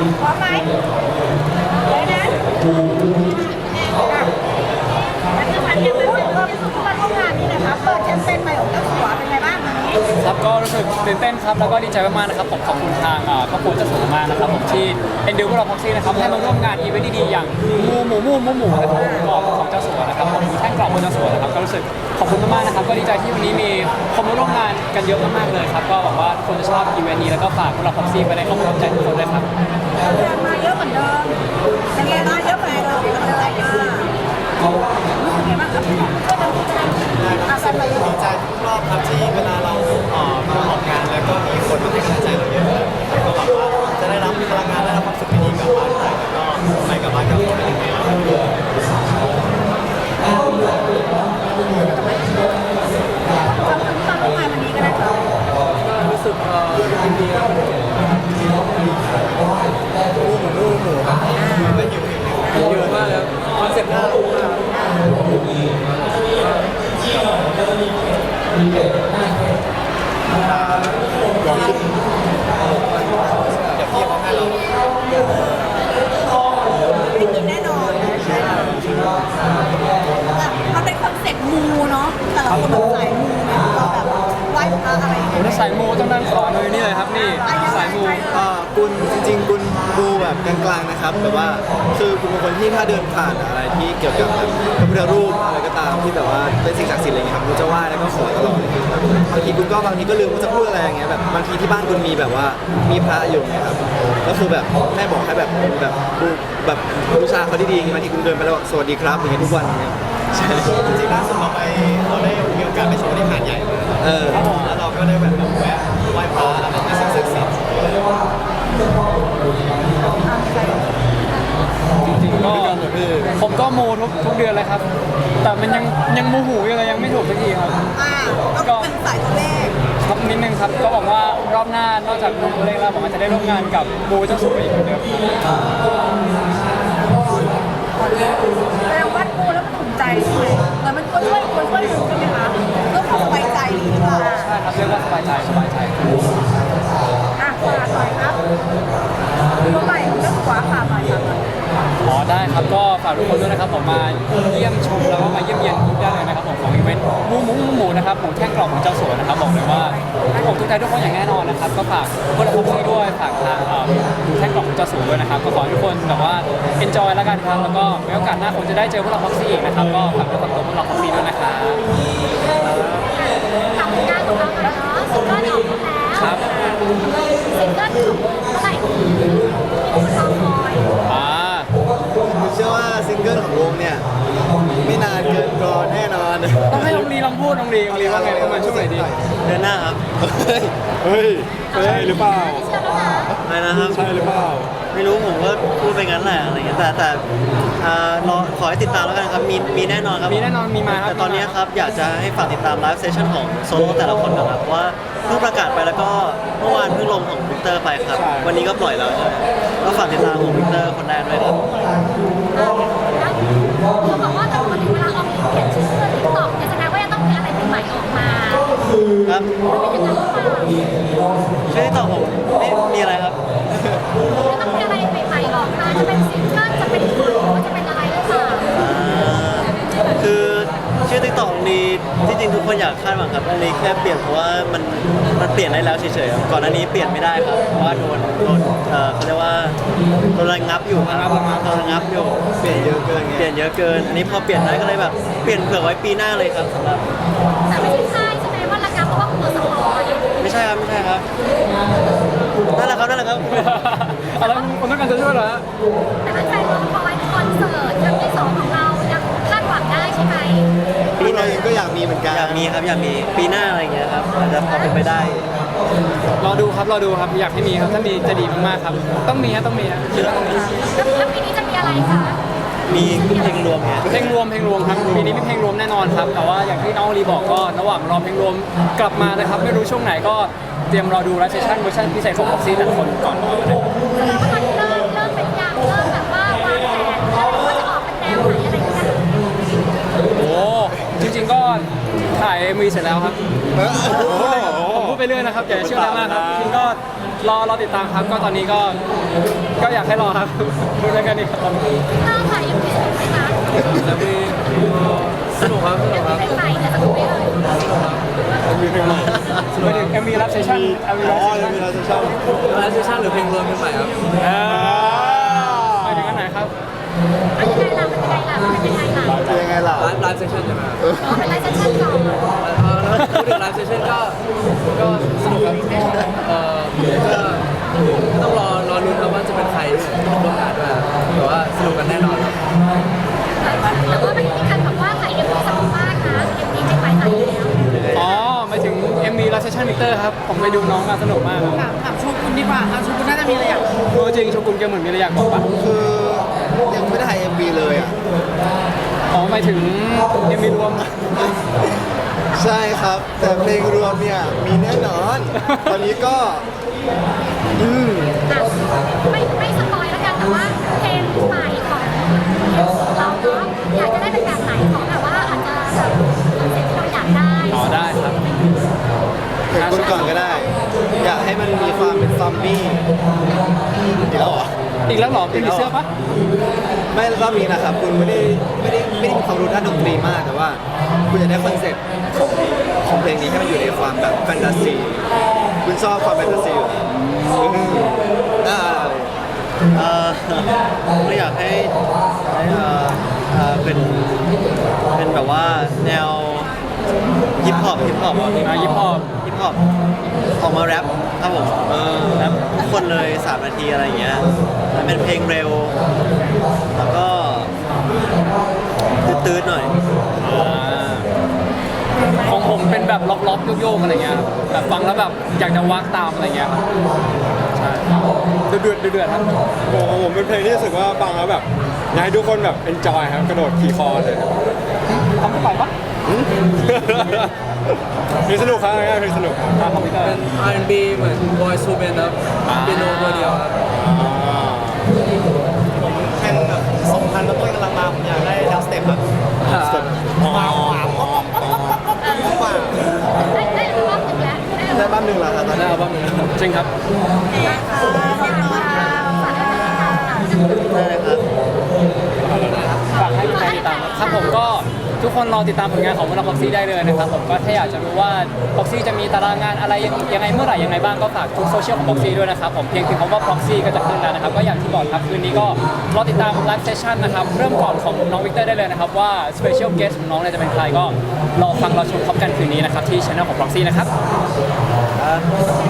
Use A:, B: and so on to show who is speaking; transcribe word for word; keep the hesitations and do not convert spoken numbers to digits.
A: พร้อมไหมเลยนะแล้วคือพันยังพูดเพิ่มสุขภาพงานนี่นะครับเปิดแชมเปญใหม่ของเจ้าสัวเป็นไงบ้างวันนี้
B: ครับก็รู้สึกตื่นเต้นครับแล้วก็ดีใจมากๆนะครับผมขอบคุณทางครอบครัวเจ้าสัวมากนะครับผมที่เอ็นดูพวกเราพ็อกซี่นะครับให้มาร่วมงานอีเวนต์ดีๆอย่างหมูหมูหมูหมูหมูนะครับกรอบของเจ้าสัวนะครับผมแท่งกรอบของเจ้าสัวนะครับก็รู้สึกขอบคุณมากๆนะครับก็ดีใจที่วันนี้มีคนมาร่วมงานกันเยอะมากๆเลยครับก็หวังว่าทุกคนจะชอบอีเวนต์นี้แล้วก็ฝากพวกเราพ็อกซี่ไปในความประทับใจทุกคนด้วยครับ
A: มาเยอะเหมือนเดิมเป็นไงบ้างเยอะเหมือนเดิมเป็นอะไรบ้างเป็นไงบ้างครับอาสาไป
C: ดีใจทุกรอบครับที่เวลาเราเอ่อมาออกงานแล้วก็มีคนมาให้กำลังใจเราเยอะก็หวังว่าจะได้รับพลังงานและรับความสุขดีๆกลับบ้านไปแล้วก็ไปกลับบ้านกับคนเป็นยังไง
A: ความสัมพันธ์ร่วมงานวันนี้ก็ได้ครับ
B: รู้สึกยินดีครับ
C: รูหมูรูหมูครับไม่หิวหิว
B: เยอะมากครับคอนเซ็ปต์น่ารักมาก
C: เดี๋ยวพี่เดี๋ยวพี่เขาให้เรา
A: ไม่กินแน่นอนใช่มันเป็นคอนเซ็ปต์มูเนาะแต่ละคนแบบสายมูเนี่ยเราแบบไหว้พระอะไรอย่างเงี้ย
B: ถ้าสายมูต้องนั่งขอเลยนี่เลยครับนี่สายมู
C: อ่ากุลจริงๆกุลดูแบบกลางๆนะครับแบบว่าคือกุลเป็นคนที่ถ้าเดินผ่านอะไรที่เกี่ยวกับแบบพระพุทธรูปอะไรก็ตามที่แบบว่าเป็นสิ่งศักดิ์สิทธิ์อะไรเงี้ยครับกุลจะไหว้แล้วก็ขอตลอดเลยครับบางทีกุลก็บางทีก็ลืมว่าจะพูดอะไรอย่างเงี้ยแบบบางทีที่บ้านกุลมีแบบว่ามีพระอยู่ไงครับก็คือแบบแม่บอกให้แบบแบบบูแบบบูชาเขาดีๆบางทีกุลเดินไปแล้วบอกสวัสดีครับอย่างเงี้ยทุกวันอย่างเงี้ยใช่จริงๆล่าสุดเราไปเราได้มีโอกาสไปชมที่หาดใหญ่มาเออแล้วเราก็ได้แบบแวะไหว้พระอะไรที่ศักดิ์สิทธิ์
B: จริงๆก็ผมก็มูทุกทุกเดือนเลยครับแต่มันยังยังมูหูอยู่เลยยังไม่ถูกสักทีครับ
A: อ่าก็เป็นสายตัวเลข
B: ครับนิดนึงครับก็บอกว่ารอบหน้านอกจากมูตัวเลขแล้วผมอาจจะได้ร่วมงานกับมูเจ้าสัวอีกเหมือนเดิม
A: แต่วัดมูแล้วมันถูกใจใช่ไหมเหมือนมันควรช่วยควรช่วยมูใช่ไหมคะเพื่อความสบายใจหรือเปล่า
B: ใช่ครับเรียกว่าสบายใจสบายใจ
A: อ่ะฝากหน่อยครับตัวใหม่ของเจ้าสัวค่ะมาจากไหน
B: อ๋อได้ครับก็ฝากทุกคนด้วยนะครับผมมาเยี่ยมชมแล้วก็มาเยี่ยมเยียนทุกได้เลยนะครับผมของอีเวนต์หมูหมูหมูนะครับหมูแท่งกรอบของเจ้าสัวนะครับบอกเลยว่าผมทุกใจทุกคนอย่างแน่นอนนะครับก็ฝากพวกเราทุกคนด้วยฝากทางหมูแท่งกรอบของเจ้าสัวด้วยนะครับก็ขอให้ทุกคนแบบว่า enjoy แล้วกันครับแล้วก็ไว้โอกาสหน้าคงจะได้เจอพวกเราพ็อกซี่อีกนะครับก็ฝากด้วยฝากตัวพวกเราพ็อกซี่ด้วยนะครับ
D: ทำงานของเราเนาะซิงเกิลออกมาแล้ว
B: ครับ
D: ซิงเกิลของวงเมื่อไหร่ที่คุณรอคอย
B: อ่า
C: ผมเชื่อว่าซิงเกิลของวงเนี่ยไม่นานเกินรอแน่นอน
B: ต้องให้ลองดีลองพูดลองดีลองดีว่าไงประมาณช่วงไหนดี
C: เดือนหน้าครับ
B: เฮ้ยใช่หรือเปล่า
C: อะไรนะครับ
B: ใช่หรือเปล่า
C: ไม่รู้ผมก็พูดไปงั้นแหละอะไรเงี้ยแต่แต่รอขอให้ติดตามแล้วกันครับมีมีแน่นอนครับ
B: มีแน่นอนมีมาครับ
C: แต่ตอนนี้ครับอยากจะให้ฝากติดตามไลฟ์เซสชั่นของโซโล่แต่ละคนนะครับว่าเพิ่งประกาศไปแล้วก็เมื่อวานเพิ่งลงของวิกเตอร์ไปครับวันนี้ก็ปล่อยแล้วใช่ก็ฝากติดตามของวิกเตอร์คนแรกด้วยครับ
D: เขาบอกว่าถ้าปกติเวลาออกเขียนชื่อติ๊กต็อกเนี่ยแสดงว่าจะต้องมีอะไรใหม่ๆออกมา
C: ครับชื่อติ๊กต็อกผมไม่มีอะไรครับ
D: จะต้องมีอะไรใหม่ๆออกมาจะเป็นซิงเกิลจะเป็นเพลงหรือว่าจะเป็นอะไรหรือเปล่า
C: คือชื่อติ๊กต็อกนี้จริงๆทุกคนอยากคาดหวังครับอันนี้แค่เปลี่ยนเพราะว่ามันมันเปลี่ยนได้แล้วเฉยๆก่อนหน้านี้เปลี่ยนไม่ได้ครับเพราะว่าโดนโดนเอ่อเขาเรียกว่าโดนระงับอยู่ครับโดนระงับอยู่เปลี่ยนเยอะเกินเปลี่ยนเยอะเกินอันนี้พอเปลี่ยนได้ก็เลยแบบเปลี่ยนเผื่อไว้ปีหน้าเลยครับสำหรับ
D: แต่ไม่ใช่ใช่ไหมว่าระงับเพราะว่าตัวสปอย
C: ไม่ใช่ครับไม่ใช่ครับนั่นแหละครับนั่นแหละครับ
B: อะไรคนต้องการจะช่วยเหรอ
D: แต่ถ้าใครรอคอยคอนเสิร์ตครั้งที่สองของเรายังคาดหวังได้ใช่ไหม
C: ปีหน้าก็อยากมีเหมือนกันอยากมีครับอยากมีปีหน้าอะไรอย่างเงี้ยครับอาจจะพอเป็นไปได้
B: รอดูครับรอดูครับอยากให้มีครับถ้ามีจะดีมากๆครับต้องมีฮะต้องมีฮะคิดว่าต้องมี
D: แล้วปีนี้จะมีอะไรคะ
C: มีเพลงรวมไง
B: เพลงรวมเพลงรวมครับปีนี้มีเพลงรวมแน่นอนครับแต่ว่าอย่างที่น้องลีบอกก็ระหว่างรอเพลงรวมกลับมานะครับไม่รู้ช่วงไหนก็เตรียมรอดูไลฟ์เซสชั่นเวอร์ชันพิเศษของพ็อกซี่แต่ละคนก่อนเลย
D: แล้วก็เริ่มเริ่มเป็นอย่างเริ่มแบบว่าวางแผนแล้วว่าจะออกเป็นแนวไหนอะไรอย่างเงี้ย
B: โอ้จริงๆก็ถ่ายมีเสร็จแล้วครับผมพูดไปเรื่อยนะครับอย่าเชื่อแรงมากครับจริงก็รอรอติดตามครับก็ตอนนี้ก็ก็อยากให้รอครับพูดได้แค่นี้ครับ
D: เริ่มค่ะยังไม่สนุกไหมคะ
C: แล้วมีสนุกครับสนุกครับ
D: เป็นใหม่แต่สนุกไหมเลย
B: มีเพลงใหม่ไม่ถึงเอ็มวีรับเซสชั่นเอ็มวี
C: อ๋
B: รับ
C: อ
B: เซส
C: เลย
B: ชั่น
C: มีไลฟ์เซสชั่นไลฟ์เซสชั่นหรือเพลงรวมเพลงใหม่ครับ
B: ไปถึงอันไหนครับ
D: เป็นยังไงล่ะเป็นยังไงล่ะเป็นยังไงล่ะ
C: เป็นยังไงล่ะไลฟ์ไลฟ์เซสชั่นใช่ไหมครับ
D: อ๋อเป็นไลฟ์เซสชั่นก่อน
C: เออแล้วพูดถึงไลฟ์เซสชั่นก็ก็สนุกครับเออก็ต้องรอรอลุ้นครับว่าจะเป็นใครด้วยร่วมงานด้วยแต่ว่าสนุกกันแน่นอนครับ
D: แต่ว่ามันมีการบอกว่าถ่ายเอ็มวีสนุกมากนะเอ็มวีเป็นหมายถ่ายแล้ว
B: อ๋อหมายถึง เอ็ม วี รับเซสชั่นมิเตอร์ครับ ผมไปดูน้องมาสนุกมากครับ
A: ถามถามโชกุนดีกว่าถามโชกุนน่าจะมีอะไรอยากพูด
B: ตัวจริงโชกุนแกเหมือนมีอะไรอยากบอกปะ
C: คือยังไม่ได้ถ่าย เอ็ม วี เลยอ่ะ
B: อ๋อหมายถึง เอ็ม วี รวม
C: ใช่ครับ แต่เพลงรวมเนี่ยมีแน่นอน ตอนนี้ก็อืม
D: อ่ะไม่ไม่สปอยแล้วกันแต่ว่าเพลงใหม่ของเราเนาะอยากจะได้เป็นแบบไหนของแบบว่าอาจจะแบบคอนเซ็ปต์ที่เราอยากได้
B: อ๋อได้ครับ
C: เพลงคุณก่อนก็ได้ อยากให้มันมีความเป็นซอมบี้อีกแล้วเหรอ
B: อีกแล้วเหรอเป็นผีเสื้อปะ
C: ไม่รอบนี้นะครับ คุณไม่ได้ไม่ได้ไม่ได้มีความรู้ด้านดนตรีมากแต่ว่า คุณจะได้คอนเซ็ปต์ของของเพลงนี้ให้มันอยู่ในความแบบแฟนตาซี คุณชอบความแฟนตาซีอยู่แล้วอืมอ่า
E: เอ่อไม่อยากให้ให้เอ่อเอ่อเป็นเป็นแบบว่าแนวฮิปฮอปฮิปฮอป
B: อ่ะฮิปฮอป
E: ฮิปฮอปออกมาแรปครับผมเออแรปทุกคนเลยสามนาทีอะไรอย่างเงี้ยมันเป็นเพลงเร็ว แล้วก็ตื้ดๆหน่อย
B: ของผมเป็นแบบล็อกๆโยกๆอะไรเงี้ยครับแบบฟังแล้วแบบอยากจะวักตามอะไรเงี้ยครับใช่เดือดเดือดเดือดครับ
F: โอ้โหผมเป็นเพลงที่รู้สึกว่าฟังแล้วแบบอยากให้ทุกคนแบบ enjoy ครับกระโดดขี่คอเลยครับ
B: ทำไม่ไหวปะ
F: เพลงสนุกครับเพลงสนุกครับ
B: ตามคอมพิวเตอร์
C: เป็น อาร์ แอนด์ บี เหมือน Boyz two Men ครับเปียโนตัวเดียวครับ
E: แข่งแบบสองพันแล้วต้นกำลังมาผมอยากได้ดับสเต็ปครับ
C: มาขวา
D: ได้ได้รอบหนึ่งแล้วได้
C: ได้บ้านหนึ่งแล้วครับตอน
B: ได้
C: นี้
B: อัลบั้มหนึ่งจริงครับ
D: ค่ะขอบคุณค่ะฝากให้ติดตามค่ะ
E: ได้เลยครับ
B: ฝากให้แฟนๆติดตามครับผมก็ทุกคนรอติดตามผลงานของวงพ็อกซี่ได้เลยนะครับผมก็ถ้าอยากจะรู้ว่าพ็อกซี่จะมีตารางงานอะไรยังยังไงเมื่อไหร่ยังไงบ้างก็ฝากทุกโซเชียลของพ็อกซี่ด้วยนะครับผมเพียงพิมพ์คำว่าพ็อกซี่ก็จะขึ้นแล้วนะครับก็อย่างที่บอกครับคืนนี้ก็รอติดตามไลฟ์เซสชั่นนะครับเริ่มก่อนของน้องวิกเตอร์ได้เลยนะครับว่าสเปเชียลเกสของน้องเนี่ยจะเป็นใครก็รอฟังรอชมพร้อมกันคืนนี้นะครับที่ช่องของพ็อกซี่นะครับ
E: ครับ